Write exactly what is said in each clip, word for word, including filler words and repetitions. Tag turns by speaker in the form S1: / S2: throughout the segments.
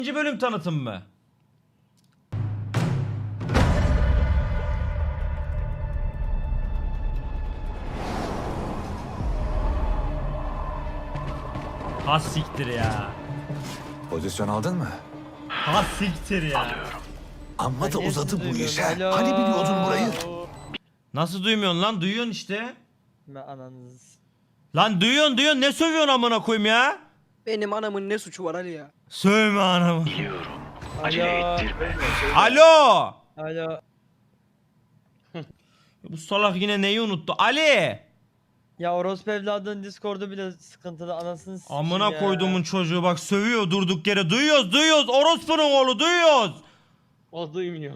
S1: İkinci bölüm tanıtım mı? Ha siktir ya.
S2: Pozisyon aldın mı?
S1: Ha siktir ya.
S2: Amma da
S3: Ben
S2: uzadı
S3: hepsini
S2: bu iş ha.
S3: duymuyorum.
S2: Hani biliyordun burayı?
S1: Nasıl duymuyorsun lan? Duyuyorsun işte.
S3: Ben ananız.
S1: Lan duyuyorsun duyuyorsun. Ne sövüyorsun amına koyayım ya?
S4: Benim anamın ne suçu var Ali ya?
S1: Sövme anamı.
S3: Alo.
S1: Alo.
S3: Alo.
S1: Bu salak yine neyi unuttu? Ali.
S3: Ya orospu evladının Discord'u bile sıkıntılı, anasını sikeyim
S1: Amına
S3: ya.
S1: koyduğumun çocuğu bak sövüyor durduk yere. Duyuyoruz duyuyoruz. Orospunun oğlu duyuyoruz.
S5: O duymuyor.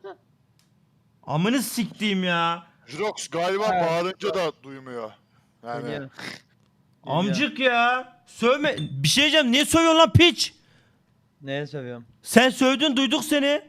S1: Amını siktiğim ya.
S6: Jirox galiba
S3: Evet.
S6: bağırınca da duymuyor. Yani
S3: Geliyor. Geliyor.
S1: Amcık ya. Sövme. Bir şey diyeceğim. Niye sövüyorsun lan piç?
S3: Neye sövüyorum?
S1: Sen sövdün duyduk seni.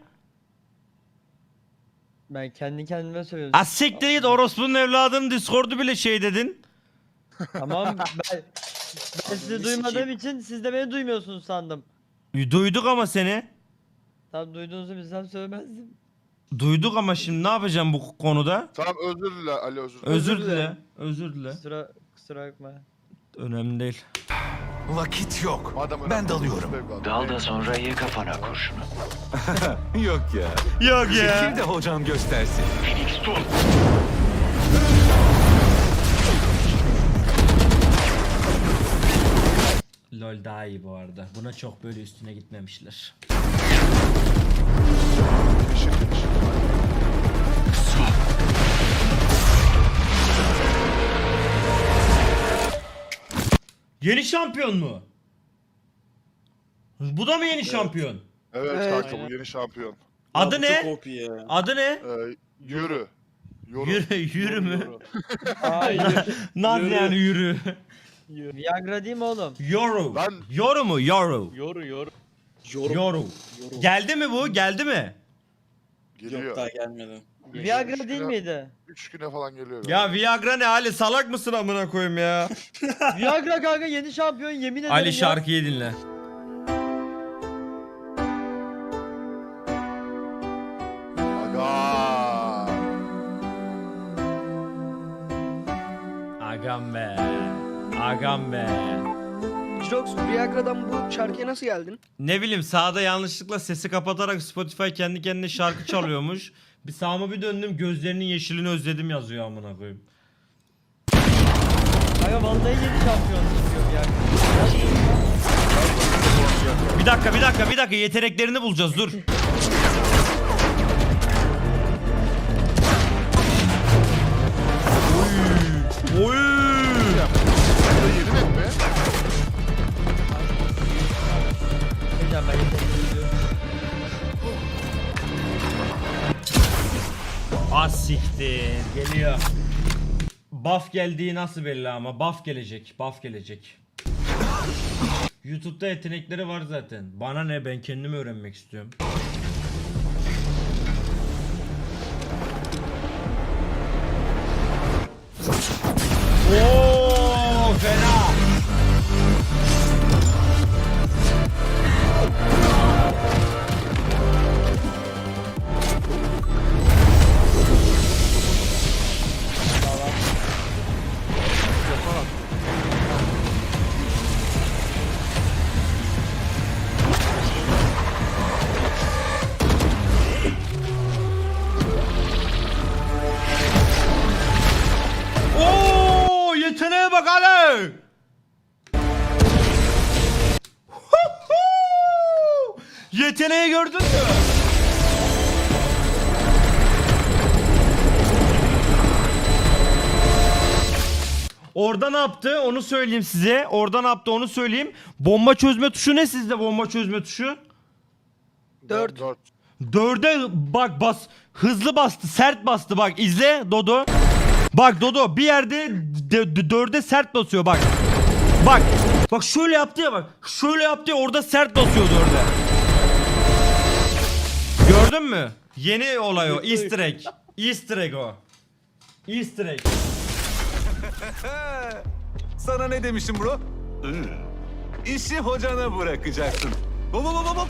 S3: Ben kendi kendime sövüyorum.
S1: Az siktir git orospunun evladının Discord'u bile şey dedin.
S3: Tamam ben, ben sizi duymadığım için siz de beni duymuyorsunuz sandım.
S1: Duyduk ama seni.
S3: Tam duyduğunuzu bilsem söylemezdim.
S1: Duyduk ama şimdi ne yapacağım bu konuda?
S6: tamam özür dile Ali özür dile.
S1: Özür dile. Özür dile.
S3: Kusura, kusura bakma.
S1: Önemli değil.
S2: Vakit yok.
S6: Madem
S2: Ben
S6: önemli,
S2: dalıyorum.
S6: evladım.
S7: Dal da sonra ye kafana kurşunu.
S2: Yok ya.
S1: Yok
S2: Zeki de hocam göstersin.
S7: Phoenix dur.
S1: LoL daha iyi bu arada. Buna çok böyle üstüne gitmemişler.
S6: Işık, ışık.
S1: Yeni şampiyon mu? Bu da mı yeni şampiyon?
S6: Evet
S4: Evet.
S6: kanka bu yeni şampiyon.
S1: Adı ne? Adı ne?
S6: Ee, yürü. Yoru.
S1: Yürü, yürü mü?
S3: Hayır.
S1: Nasıl yani yürü?
S3: Viagra değil mi oğlum?
S1: Yoru.
S6: Ben-
S1: Yoru mu? Yoru.
S5: Yoru yoru.
S1: Yoru. Geldi mi bu? Geldi mi?
S6: Geliyor.
S8: Yok daha gelmedi.
S3: Viagra
S6: Üç
S3: değil
S6: güne-
S3: miydi?
S6: Üç güne falan geliyor.
S1: Ya Viagra ne Ali? Salak mısın amına koyayım ya?
S3: Viagra kanka yeni şampiyon, yemin ederim
S1: Ali
S3: ya.
S1: şarkıyı dinle.
S6: Aga.
S1: Agam be. Agam be.
S4: Jirox, Viagra'dan bu şarkıya nasıl geldin?
S1: Ne bileyim sağda yanlışlıkla sesi kapatarak Spotify kendi kendine şarkı çalıyormuş. Bir sağıma bir döndüm gözlerinin yeşilini özledim yazıyor amına koyayım.
S3: Kanka vallahi yeni şampiyon çıkıyor Viagra.
S1: Bir dakika bir dakika bir dakika yeteneklerini bulacağız dur. Oy. Oy.
S6: Bu da yeni net mi?
S3: Hocam ben yetenekli.
S1: Az siktir geliyor. Buff geldiği nasıl belli ama buff gelecek buff gelecek. YouTube'da yetenekleri var zaten. Bana ne ben kendimi öğrenmek istiyorum. Oo fena. Oo yeteneğe bak Ali. Yeteneği gördün mü? Orada ne yaptı onu söyleyeyim size. Orada ne yaptı onu söyleyeyim. Bomba çözme tuşu ne sizde bomba çözme tuşu?
S4: Dört.
S6: Dört.
S1: Dörde bak bas hızlı bastı sert bastı bak izle Dodo. Bak Dodo bir yerde d- d- dörde sert basıyor bak. Bak bak şöyle yaptı ya bak şöyle yaptı ya orada sert basıyor dörde. Gördün mü? Yeni olay o easter egg. Easter egg o. Easter egg.
S2: Sana ne demiştim bro? İşi hocana bırakacaksın. Hop hop hop hop.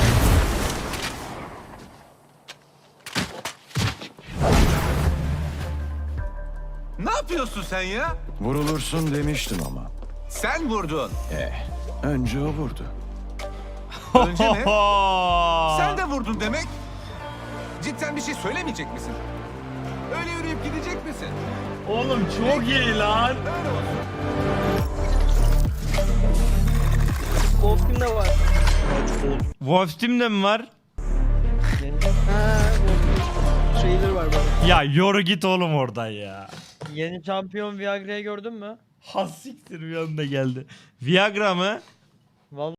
S2: Ne yapıyorsun sen ya?
S5: Vurulursun demiştim ama.
S2: Sen vurdun.
S5: Eh, önce o vurdu.
S2: Önce ne? Sen de vurdun demek. Cidden bir şey söylemeyecek misin? Öyle yürüyüp gidecek misin?
S1: Oğlum çok iyi lan.
S2: Öyle olsun.
S4: Wolf'un da var.
S1: Wolf Team'de mi var?
S4: Ha, Wolf'un şeyleri var bana.
S1: Ya yoru git oğlum oradan ya.
S3: Yeni şampiyon Viagra'yı gördün mü?
S1: Has siktir bir anda geldi. Viagra mı?
S3: Vallahi